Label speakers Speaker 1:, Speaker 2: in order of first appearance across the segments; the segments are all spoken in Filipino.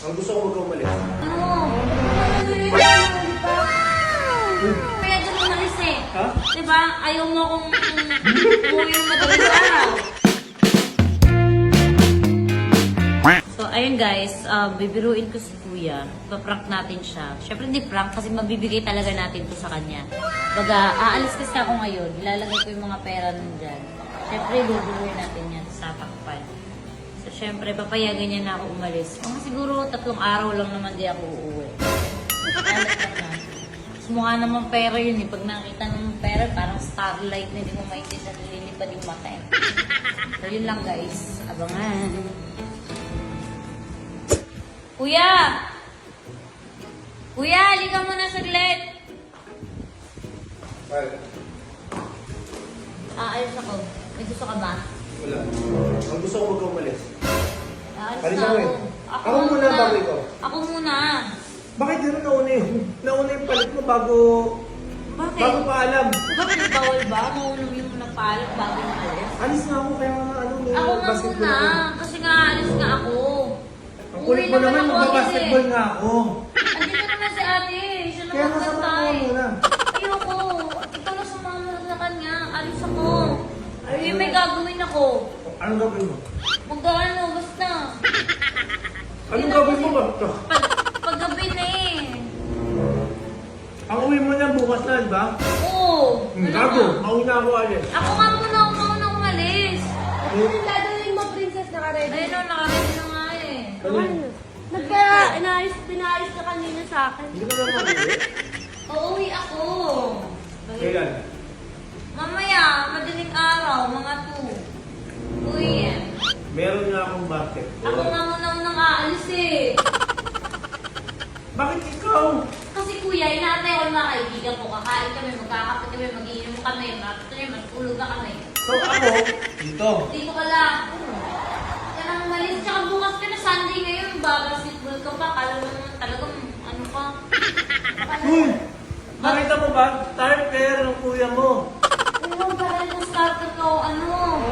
Speaker 1: Ang gusto ko huwag ka umalis.
Speaker 2: Ano? Kaya dyan umalis eh.
Speaker 1: Ha?
Speaker 2: Diba? Ayaw mo akong umuwi ng madaling araw. So, ayun guys, bibiruin ko si Kuya. Paprank natin siya. Siyempre hindi prank kasi mabibigay talaga natin to sa kanya. Baga, aalis kasi ako ngayon. Ilalagay ko yung mga pera nandyan. Siyempre, bibiruin natin yan sa takpan. So, siyempre, papayagan niya na ako umalis. Mga siguro 3 araw lang naman di ako uuwi. Alas lang na. Mas mukha naman pera yun eh. Pag nakita ng pera, parang starlight na hindi mo maintindihan na nililipad yung mata eh. So, yun lang guys. Abangan. Kuya! Kuya, halika muna saglit.
Speaker 1: Bakit?
Speaker 2: Aalis ako. May gusto ka ba?
Speaker 1: Wala. Ang gusto ko huwag ka umalis.
Speaker 2: Aalis
Speaker 1: Alis
Speaker 2: na
Speaker 1: ako
Speaker 2: ako.
Speaker 1: eh. Ako muna bago ikaw.
Speaker 2: Ako muna.
Speaker 1: Bakit gano'n nauna yung palit mo bago
Speaker 2: Bakit?
Speaker 1: bago pa alam?
Speaker 2: Bakit bawal ba? Maunong yung nagpaalam bago yung alis?
Speaker 1: Alis na ako kaya ano may
Speaker 2: Ako nga
Speaker 1: basketball
Speaker 2: muna.
Speaker 1: ako.
Speaker 2: Kasi nga alis nga ako.
Speaker 1: Ang kulit mo naman, magbabasketball nga ako.
Speaker 2: Andito naman si ate. Siya
Speaker 1: Kaya
Speaker 2: naman
Speaker 1: masama
Speaker 2: kantay.
Speaker 1: ko muna.
Speaker 2: Ayoko. Ikaw na sumama sa kanya. Alis ako. Ay, may gagawin ako.
Speaker 1: Anong gagawin mo?
Speaker 2: Mag-ano, basta.
Speaker 1: Anong gagawin mo ba?
Speaker 2: Paggabi na eh.
Speaker 1: Ang uwi mo niyan bukas na, di ba?
Speaker 2: Oo.
Speaker 1: Gago, mauna ako alis.
Speaker 2: Ako nga muna, ako mauna umalis.
Speaker 3: Yung dadalhin mo, princess, naka-ready.
Speaker 2: Ayun o, nakaready na nga eh.
Speaker 3: Pinayos ka kanina sa akin.
Speaker 1: Hindi ka naman uwi.
Speaker 2: Uuwi ako.
Speaker 1: Kailan?
Speaker 2: Mamaya, madaling araw, mga 2. Uwi yan.
Speaker 1: Meron nga akong basket.
Speaker 2: Ako nga muna unang aalis eh.
Speaker 1: Bakit ikaw?
Speaker 2: Kasi kuya, inaantay ko yung mga kaibigan ko. Kakain kami, magkakapit kami, mag-iinom kami, matulog na kami.
Speaker 1: So ako, dito.
Speaker 2: Dito ka lang. Yan ang malis. Tsaka bukas ka na Sunday ngayon. Basketball ka pa. Kala mo naman talagang ano pa.
Speaker 1: Uy! Nakita mo ba? Starter ng kuya mo.
Speaker 2: Ano ba rin kung starter ka o ano?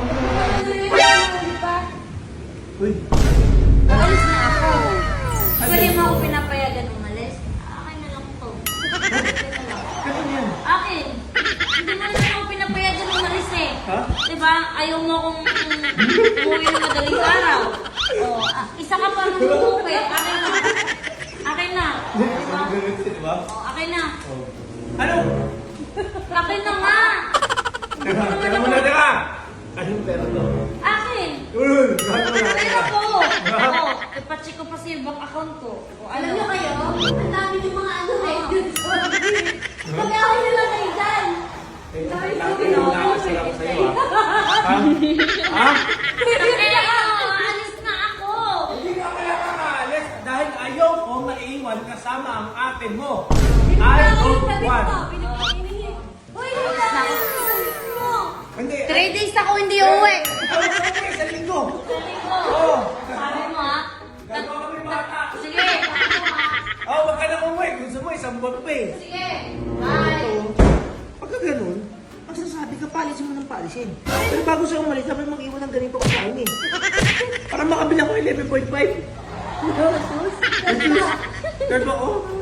Speaker 1: Uy!
Speaker 2: Alis na ako. Pwede mo ako pinapayagan umalis. Akin na lang to.
Speaker 1: Ano yan?
Speaker 2: Akin. Hindi mo naman ako pinapayagan umalis eh.
Speaker 1: Ha?
Speaker 2: Diba? Ayaw mo akong umuwi ng madaling araw. O, isa ka pa nung umuwi. Akin na. Akin na. Diba?
Speaker 1: Diba?
Speaker 2: O, akin na.
Speaker 1: Ano?
Speaker 2: Akin na nga.
Speaker 1: Teka muna, teka! Anong pera to?
Speaker 2: Akin.
Speaker 1: Uy! Gago na,
Speaker 2: Pera
Speaker 1: teka.
Speaker 2: ko. O, ipacheck ko pa sa bank account ko. O,
Speaker 3: Alam
Speaker 2: ano?
Speaker 3: niyo kayo, ang dami yung mga ano eh. Pag-away na lang kayo dyan.
Speaker 1: Eh, nakakasal ako sa'yo, ha? Ha?
Speaker 2: Kaya ako, alis na ako.
Speaker 1: Hindi ka kaya kakaalis dahil ayaw ko maiwan kasama ang ate mo. I don't want.
Speaker 3: Uy,
Speaker 2: Alis na ako.
Speaker 1: Hindi.
Speaker 2: 3 days ako hindi uuwi.
Speaker 1: Ikaw okay sa linggo.
Speaker 2: Sabi ko.
Speaker 1: Oo.
Speaker 2: Sabi mo ha?
Speaker 1: Gagawa kami bata.
Speaker 2: Sige, sabi mo ha?
Speaker 1: Oo, wag ka na umuwi. Gusto mo isang buwan pa eh.
Speaker 2: Sige. Bye.
Speaker 1: Pagka ganun, ang sasabi ka, palisin mo ng palisin. Pero bago siya umalis, sabi mag-iwan ng ganito kasahin eh. Para makabilang ko 11.5. Third ba? Oh,